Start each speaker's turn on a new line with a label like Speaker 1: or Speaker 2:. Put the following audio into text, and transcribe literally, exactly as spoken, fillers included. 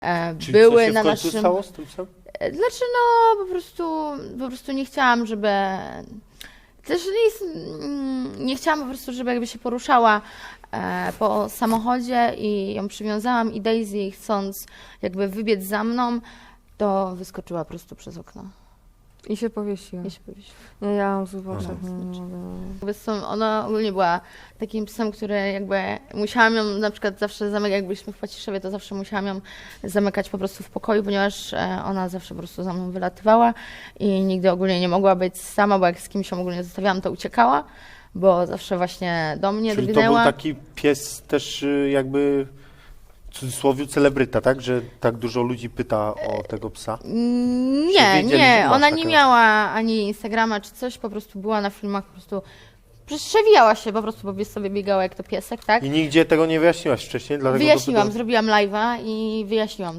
Speaker 1: e,
Speaker 2: Czyli
Speaker 1: były
Speaker 2: co się
Speaker 1: na
Speaker 2: w końcu
Speaker 1: naszym...
Speaker 2: stało z tym psem?
Speaker 1: Znaczy no, po prostu, po prostu nie chciałam, żeby... Też nie, jest, mm, nie chciałam po prostu, żeby jakby się poruszała e, po samochodzie i ją przywiązałam i Daisy, chcąc jakby wybiec za mną, to wyskoczyła prosto przez okno.
Speaker 3: I się powiesiła.
Speaker 1: I się powiesiła.
Speaker 3: Nie, ja mam zły oczach.
Speaker 1: Tak,
Speaker 3: nie
Speaker 1: znaczy.
Speaker 3: mogę.
Speaker 1: Jakby są, ona ogólnie była takim psem, który jakby musiałam ją na przykład zawsze zamykać, jak byliśmy w Paciszewie, to zawsze musiałam ją zamykać po prostu w pokoju, ponieważ e, ona zawsze po prostu za mną wylatywała i nigdy ogólnie nie mogła być sama, bo jak z kimś ją ogólnie zostawiałam, to uciekała, bo zawsze właśnie do mnie
Speaker 2: Czyli to
Speaker 1: drgnęła.
Speaker 2: był taki pies też y, jakby w cudzysłowie celebryta, tak? Że tak dużo ludzi pyta o tego psa.
Speaker 1: Mm,
Speaker 2: Czy
Speaker 1: Nie,
Speaker 2: wiedzieli, że
Speaker 1: nie,
Speaker 2: masz
Speaker 1: ona nie
Speaker 2: takiego?
Speaker 1: miała ani Instagrama czy coś, po prostu była na filmach, po prostu przewijała się, po prostu po sobie biegała jak to piesek, tak?
Speaker 2: I nigdzie tego nie wyjaśniłaś wcześniej, dlatego
Speaker 1: Wyjaśniłam,
Speaker 2: dopytam-
Speaker 1: zrobiłam live'a i wyjaśniłam